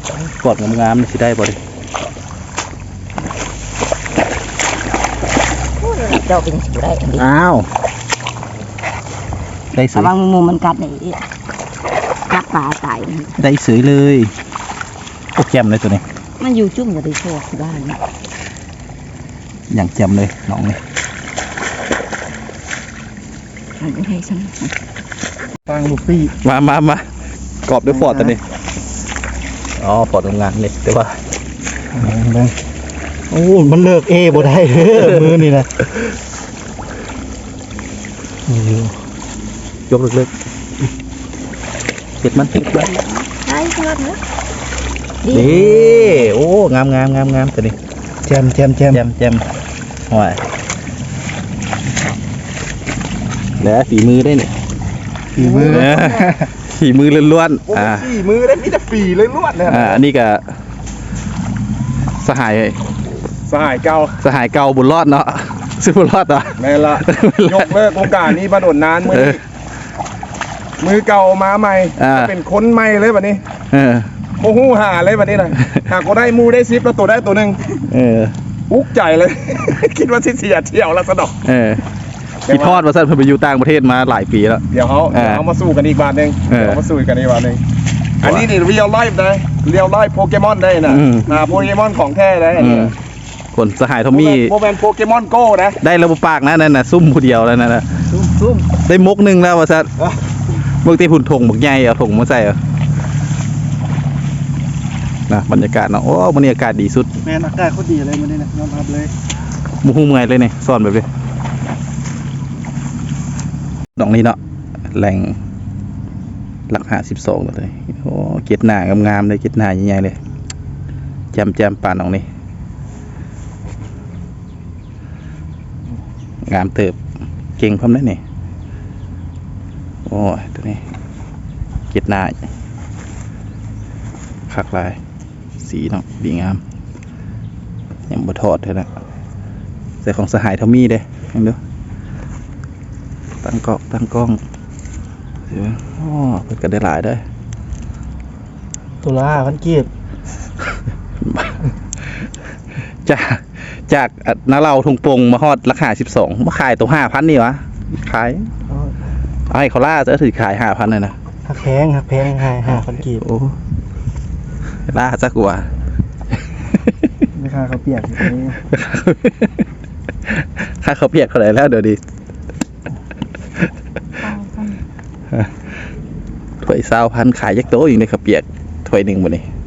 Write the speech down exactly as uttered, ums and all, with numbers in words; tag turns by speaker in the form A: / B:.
A: กอดงามๆสิได้บ่ดิ
B: เจ้าเป็นสิได้
A: อ้าวได้สวย
B: ระวังมุมมันกัดนี่กัดปลาตาย
A: ได้สวยเลยโอ้แจ่มเลยตัวนี้
B: มันอยู่จุ่มกับที่โชว์บ้าน
A: อย่างแจ่มเลยน้องนี่
B: ไม่ให้ฉัน
C: ฟังลูกพี่
A: มามามากรอบด้วยฟอร์ดตัวนี้อ๋อฟอร์ดทำงานเลยแต่ว่า
C: โอ้มันเลิกเอบ่ได้เด้อมือนี่นะ
A: ยกเลิกๆเก็ดมันติดไว้
B: ได้เพื่อนนะ
A: ดีโอ้งามงามงามงามตัวนี้
C: แจมแจมแจม
A: แจมแจมห่วยแล้วฝีมือได้เนี่ย
C: ฝีมือ
A: ฝีมือล้วนๆอ่า
C: ฝีมือได้มีแต่ฝีเลยล้วนเนี่ย
A: อ่าอันนี้ก็สหาย
C: สหายเก่า
A: สหายเก่าบุญรอดเนาะซื้อบุญรอดอ่ะ
C: แม่ละยกเลิกโอกาสนี้มาโดนนานมือมือเก่ามาใหม่จะเป็นคนใหม่เลยแบบนี้โอ้โหหาเลยแบบนี้เลยหากก็ได้มูได้ซิปแล้วตัวได้ตัวหนึ่งอุ๊กใจเลยคิดว่าที่เสียเที่ยวแล้วสะดอก
A: คิดทอดว่าสั้นเพิ่งไปอยู่ต่างประเทศมาหลายปีแล้ว
C: เดี๋ยวเขาเดี๋ยวเขามาสู้กันอีกบาทหนึ่งเดี๋ยวมาสู้กันอีกบาทหนึ่งอันนี้นี่เรียลไลฟ์ได้เรียลไลฟ์โปเกมอนได้นะอ่าโปเกมอนของแท้ได้
A: คนสหายทอมมี่
C: โมแมนโปเกมอนโก้นะ
A: ได้ระบบปากนะนั่นน่ะซุ่มผู้เดียวแล้วนั่นน่ะ
C: ซุ่มซุ่ม
A: ได้มุกหนึ่งแล้วว่าสั้นเมื่อที่หุ่นถงบักใหญ่เอาถงมาใส่นะบรรยากาศเนาะโอ้บรรยากาศดีสุด
C: แม่อากาศเขาดีเลยมันนี่นะยอมรับเลย
A: มุ้งไงเลยเนี่ยซ่อนแบบนี้ดอกนี้เนาะแหล่งหลักหาสิบสองเลยโอ้เกล็ดหนางามๆเลยเกล็ดหนาใหญ่ๆเลยแจมแจมปานดอกนี้งามเติบเก่งพร้อมได้เนี่ยโอ้ยตัวนี้เกล็ดหนาคักลายสีเนาะดีงามยังบะทอดเท่านั้นใส่ของสหายทอมมี่เด้ยังดูตั้งกล้องตั้งกล้องเดี๋ยวโอ้เปิดกันได้หลายได้
C: ตัวละพันกีบ
A: จากจากน้าเราทงปงมาฮอดราคาสิบสองมาขายตัวห้าพันนี่วะขายไอ้เขาล่าจะถือขายห้าพันเลยนะ
C: หักแพงหักแพงห้าห้าพันกีบ
A: โอ้ล่าจักกว่า
C: ไม่ค่าเขาเปียกอยู่นี้
A: ค่าเขาเปียกเขาไหนแล้วเดี๋ยวดีถ้วยซาวพันขายยักโตอยู่ในข้าวเปียกถ้วยหนึ่งหมดนี่